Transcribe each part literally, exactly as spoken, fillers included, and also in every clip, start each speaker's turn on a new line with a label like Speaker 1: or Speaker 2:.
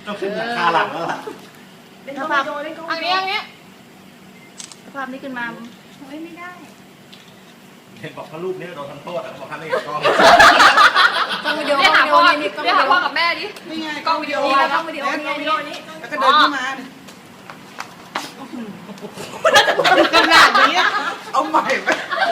Speaker 1: ต้องขึ้นหลังคาหลังแล้วล่ะ
Speaker 2: เล่นกล้องวิดีโอเล่นกล้อง
Speaker 3: อัน
Speaker 2: วิดี
Speaker 3: นี้
Speaker 2: โอ
Speaker 3: อันนี้
Speaker 2: ภาพนี้ขึ้นมา
Speaker 3: เฮ้ยไม่ได้
Speaker 1: เห็นบอกว่ารูปนี้โดนทำโทษอ่ะบอกท่านนี่กล้อง
Speaker 2: กล้องวิดีโอ
Speaker 3: เรียกหาพ่อ
Speaker 2: นี่กล้อง
Speaker 3: เรี
Speaker 2: วิ
Speaker 3: ยก
Speaker 2: ดี
Speaker 3: หา
Speaker 2: โอ
Speaker 3: พ่อกับแม่ดิ
Speaker 4: นี่ไง
Speaker 3: กล้องวิดีโอ
Speaker 2: นี่กล้องวิดีโอนี่ไงนี่
Speaker 4: แล้วก็เดินขึ้นมาเนี่ย
Speaker 2: ขนาดนี้
Speaker 4: เอาใหม่ไป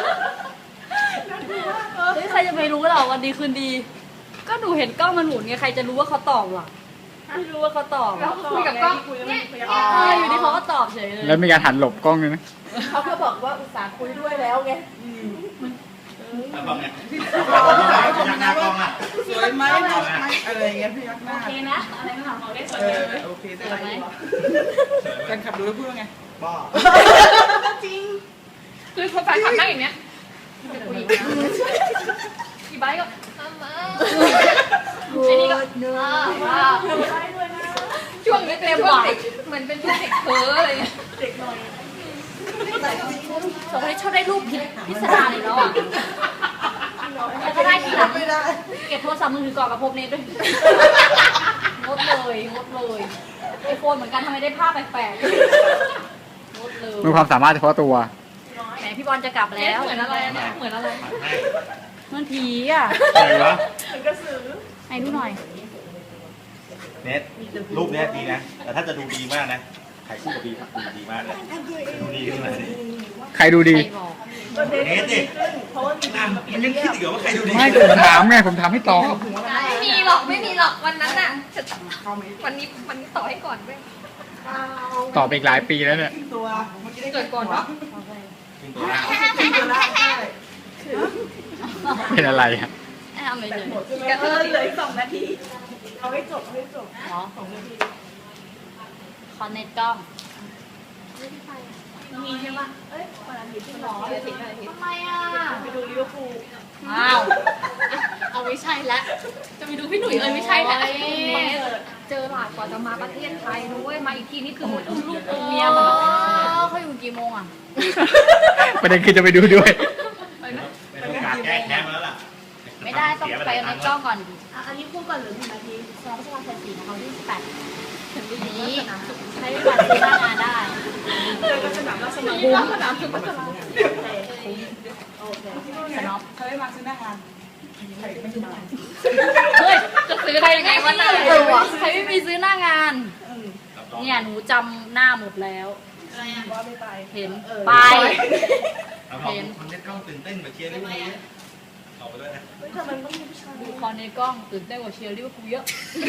Speaker 5: เฮ้ยใครจะไปรู้หรอวันดีคืนดี ก็หนูเห็นกล้องมันหมุนไงใครจะรู้ว่าเขาตอบหรอไม่รู้ว่าเขาตอบ
Speaker 3: แล้วคุยกับกล้องเนี่ย
Speaker 5: เอออยู่ดีเขาก็ตอบเฉยเลย
Speaker 6: แล้วมีการหันหลบกล้องด้วยนะ
Speaker 2: เขาก็บอกว่าอุตส่าห์คุยด้วยแล้วไง
Speaker 1: แล้วบอกเนี่ยพยักหน้ากล้องอ่ะ
Speaker 4: สวยไหมอะไรอย่างเงี้ยพี่ยักหน้า
Speaker 5: โอเคนะอะไรก็ถามเขาได้สวย
Speaker 4: เอ
Speaker 5: เลย
Speaker 4: อโอเคได้
Speaker 5: สวยไหม
Speaker 4: แฟนขับดูแล้วพูดว่าไง
Speaker 1: บ้า
Speaker 2: จริง
Speaker 3: คือคนแฟนคลับนั่งอย่างเนี้ยอีไบค์ก็มามา
Speaker 5: ไอ้นี่ก็
Speaker 2: เนื้อ
Speaker 5: ว้าว
Speaker 3: ช่วงนี้เต็มหวานเหมือนเป็นพวกเด็กเพ้ออะไรเงี้ย
Speaker 5: สองคนนี้ชอบได้รูปพิพิสดารอีกแล้วอ่ะแล้วก็ได้ทีหลัง
Speaker 4: ไม่ได้
Speaker 5: เก็บโทรศัพท์มือถือก่อนกับพบเนตด้วยงดเลยงดเลยไอโฟนเหมือนกันทำไมได้ภาพแปลกๆงดเลย
Speaker 6: มีความสามารถเฉพาะตัว
Speaker 5: แหมพี่บอลจะกลับแล้ว
Speaker 3: เหมือนอะไรเนี่ยเหมือนอะไร
Speaker 5: เหมันผีอ่ะ
Speaker 1: อะไรวะ
Speaker 5: ไหนดูหน่อย
Speaker 1: เน็ตรูปเนี้ยดีนะ แต่ถ้าจะดูดีมากนะใครคู่กับบีดูดีมากเลยดูดีขึ้นมาดิ
Speaker 6: ใครดูดี
Speaker 5: ใครบอก
Speaker 1: เน็ตดิอ่ะมันยังคิดอีกเหรอว่าใครดูดี
Speaker 6: ไม่ผมถามไงผมถามให้ตอบ
Speaker 3: ไม่มีหรอกไม่มีหรอกวันนั้นน่ะวันนี้วันนี้ต่อให้ก่อนเว้ย
Speaker 6: ตอบไปอีกหลายปีแล้วเนี่ย
Speaker 4: ตัวเมื่อกี้ได้
Speaker 3: เกิดก่อนเนาะ
Speaker 1: ขึ้นตัวล่าง
Speaker 4: ตัวละใช่
Speaker 6: เป็นอะไรอะ
Speaker 5: แอบไม่เลย
Speaker 3: กระเทย
Speaker 2: เหลืออีกสองนาทีเอาให้จบเอาให้จบ
Speaker 5: อ๋อคอนเนตกล้อง
Speaker 2: มีใช่ปะเอ้ยวันอาทิตย์ที่หมอ
Speaker 3: เดี๋ยวทิ้งอะไรทิ้ง
Speaker 5: ทำไมอ่ะ
Speaker 2: ไปดูลิเวอร์พูล
Speaker 5: อ้าว เอาไม่ใช่แล้ว จะไปดูพี่หนุ่ยเอ้ยไม่ใช่แล้ว
Speaker 3: เจอหลาดกว่าจะมาประเทศไทยด้วยมาอีกทีนี่คืออุ้มลูกอุ้ม
Speaker 5: เมี
Speaker 3: เมี
Speaker 5: ย
Speaker 3: ย
Speaker 5: หม
Speaker 3: ห
Speaker 5: ด
Speaker 3: มด
Speaker 5: เขาอยู่กี่โมงอ่ะ
Speaker 6: ประเด็นคือจะไปดูด้วย
Speaker 1: เป็นโอกาสแก้แค้นมาแล้วล่ะ
Speaker 5: ไม่ได้ต้องไปในกล้องก่อน
Speaker 2: อ่ะอันนี้คู่ก่อนหรือหนึ่งนาที
Speaker 5: สองพฤษภาคมสี่นะคะวันที่สิบแปดถึงนี้ใช้บัตรซื้อหน้างานได้
Speaker 2: เจอกันสนามราชมังค
Speaker 3: คุ้ม
Speaker 2: ลา
Speaker 3: สนามสุพัชรา
Speaker 2: โอเคโอเค
Speaker 5: สน็อป
Speaker 4: เขาได้มาซื้อหน้างานใครไม่ได้มา
Speaker 5: เฮ้ย
Speaker 3: จะซื้อได้ยังไงวะน่ะ
Speaker 5: เออวะใครไม่มีซื้อหน้างาน เนี่ยหนูจำหน้าหมดแล้ว
Speaker 2: ว่าไม่ไป
Speaker 5: เห็น
Speaker 2: เออ
Speaker 5: ไป
Speaker 1: เอาบอกคนเล่นกล้องตื่นเต้นแบบเชียร์ลิเวอร์พูลออกไปด้วยนะ
Speaker 2: เฮ้ยทำไมมันต้องมีผู้ชาย
Speaker 5: ดูคอนในกล้องตื่นเต้นกว่าเชียร์ลิเวอร์พูลเยอะ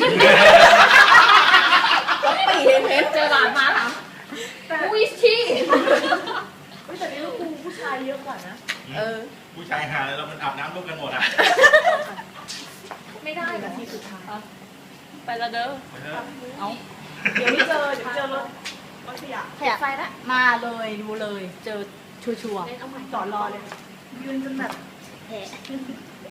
Speaker 2: ปีเห็นเห็น
Speaker 3: เจอหลานมาถามวิชี่
Speaker 2: เฮ้ยแต่ลิเวอร์พูลผู้ชายเยอะกว่านะ
Speaker 1: เออผู้ชายหาแล้วมันอาบน้ำร่วมกันหมดอ่ะ
Speaker 3: ไม่ได้
Speaker 2: นาทีสุดท้าย
Speaker 5: ไปและเด้อ
Speaker 1: ไปเถอะ
Speaker 5: เอา
Speaker 2: เดี๋ยวไม่เจอเดี๋ยวเจอรถรถขยะ
Speaker 5: ขยะไฟละมาเลยดูเลย เจอชัวร์
Speaker 2: เอาใหม่ต่อรอเลยยืนจนแบบแหะ